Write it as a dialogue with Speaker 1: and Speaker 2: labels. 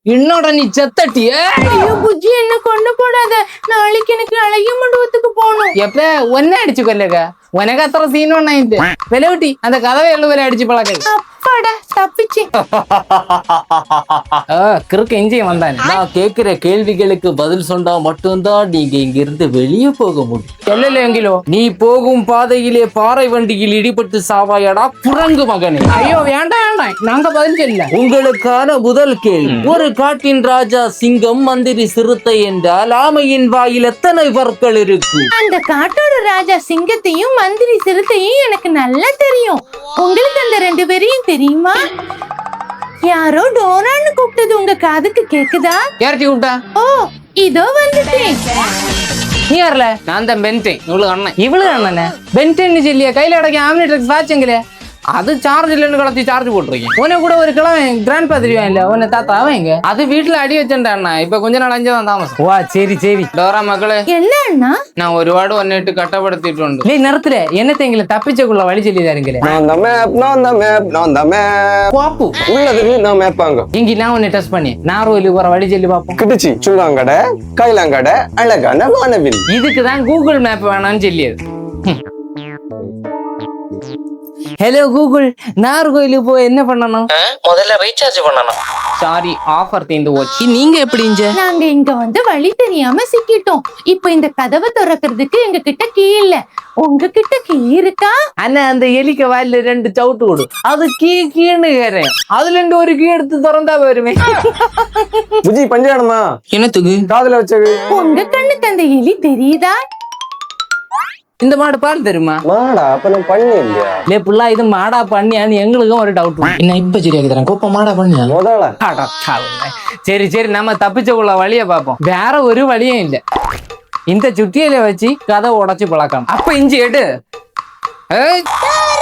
Speaker 1: இன்னோட நீ செத்தட்டிய.
Speaker 2: ஐயோ புஜ்ஜி, என்ன கொண்டு போடாத. நாளைக்கு எனக்கு அழகிய மண்டபத்துக்கு போகணும்.
Speaker 1: எப்ப ஒன்ன அடிச்சு கொல்லுங்க. உனக்கு அത്ര சீன் ஒண்ணாயிட்டு விலவிட்டி அந்த கதவை எழுவலை அடிச்சு பழக்க.
Speaker 2: அப்பாடா தப்பிச்சு.
Speaker 1: கிறுக்கு இஞ்சியும் வந்தானே.
Speaker 3: நான் கேட்கிற கேள்விகளுக்கு பதில் சொன்னா மட்டும்தான் நீங்க இங்க இருந்து வெளியே போக முடியும்.
Speaker 1: எங்கிலோ
Speaker 3: நீ போகும் பாதையிலே பாறை வண்டியில் இடிபட்டு சாவாயடா குரங்கு மகனே.
Speaker 1: ஐயோ வேண்டாம் வேண்டாம், நாங்க பதில் சொல்ல.
Speaker 3: உங்களுக்கான முதல் கேள்வி, ஒரு காட்டின் ராஜா சிங்கம், மந்திரி சிறுத்தை என்றால் ஆமையின் வாயில் எத்தனை பற்கள் இருக்கு?
Speaker 2: அந்த காட்டோட ராஜா சிங்கத்தையும் மந்திரி சிறுத்தையும் எனக்கு நல்லா தெரியும். உங்களுக்கு அந்த 2 பேரையும் தெரியுமா? யாரோ டோரான்னு கூப்பிட்டது உங்க காதுக்கு கேக்குதா?
Speaker 1: யார்ட்டி கூப்பிட்டா?
Speaker 2: ஓ, இதோ வந்துட்டேன்.
Speaker 1: நீ வரல, நான் தான் பென்டேன். இவ்வளவு அண்ணன் இவ்வளவு அண்ணனே பென்டேன்னு சொல்லியா கையில அடக்கி ஆம்னிட்ரிக்ஸ் வாட்சுங்களே. அது சார்ஜ் இல்லைன்னு கலத்தி சார்ஜ் போட்டிருக்கேன். உன்னை கூட ஒரு கிழமை கிராண்ட் பா தெரியும் இல்ல, உன்னை தாத்தா அவங்க அது வீட்டுல அடி வச்சுட்டா. இப்ப கொஞ்ச நாள் அஞ்சுதான் தாமசம். வா சரி சரி. டோரா மக்களே,
Speaker 2: என்ன அண்ணா?
Speaker 1: நான் ஒருபாடு ஒன்னிட்டு கட்டப்படுத்திட்டு நிறுத்துல என்னத்தை எங்களை தப்பிச்சக்குள்ள வழி சொல்லிதாருங்களே. பாப்பு இங்க நான் உன்னை டெஸ்ட் பண்ணி நார்வேலுக்கு போற வழி சொல்லி பாப்போம்.
Speaker 4: கிடிச்சி சுள்ளாங்கட கைலாங்கட அழகான வானவில்.
Speaker 1: இதுக்குதான் கூகுள் மேப் வேணாம்னு சொல்லியது. ஹலோ கூகுள், நார்கோயிலுக்கு போய் என்ன பண்ணணும்?
Speaker 3: முதல்ல ரீசார்ஜ் பண்ணணும்.
Speaker 1: சாரி, ஆஃபர் தீந்து போச்சு. நீங்க எப்படி
Speaker 2: நாங்க இங்க வந்து வழி தெரியாம சிக்கிட்டோம். இப்ப இந்த கதவை திறக்கிறதுக்கு எங்க கிட்ட கீ இல்ல. உங்ககிட்ட கீ இருக்கா?
Speaker 1: அண்ணா, அந்த எலிக்க வாயில 2 சவுட்டு கொடு. அது கீன்னு கேறேன். அதுல இருந்து ஒரு கீ எடுத்து திறந்தா வருமே.
Speaker 4: புஜி பஞ்சாடமா
Speaker 1: என்னத்துக்கு
Speaker 4: காதுல வச்சது?
Speaker 2: உங்க கண்ணுக்கு அந்த எலி தெரியுதா?
Speaker 1: இந்த மாடு பால் தெரியுமா?
Speaker 4: மாடா அப்ப நான் பண்ணி இல்லையா?
Speaker 1: லே புள்ளா, இது மாடா பண்ணியான்னு எங்களுக்கும் ஒரு டவுட். என்ன இப்ப சரியாக்கி தரேன். கோப்ப மாடா பண்ணியா
Speaker 4: முதல்ல?
Speaker 1: சரி சரி, நம்ம தப்பிச்சக்குள்ள வழிய பாப்போம். வேற ஒரு வழியும் இல்ல. இந்த சுட்டியில வச்சு கதை உடைச்சு பழக்கம். அப்ப இஞ்சி எடு.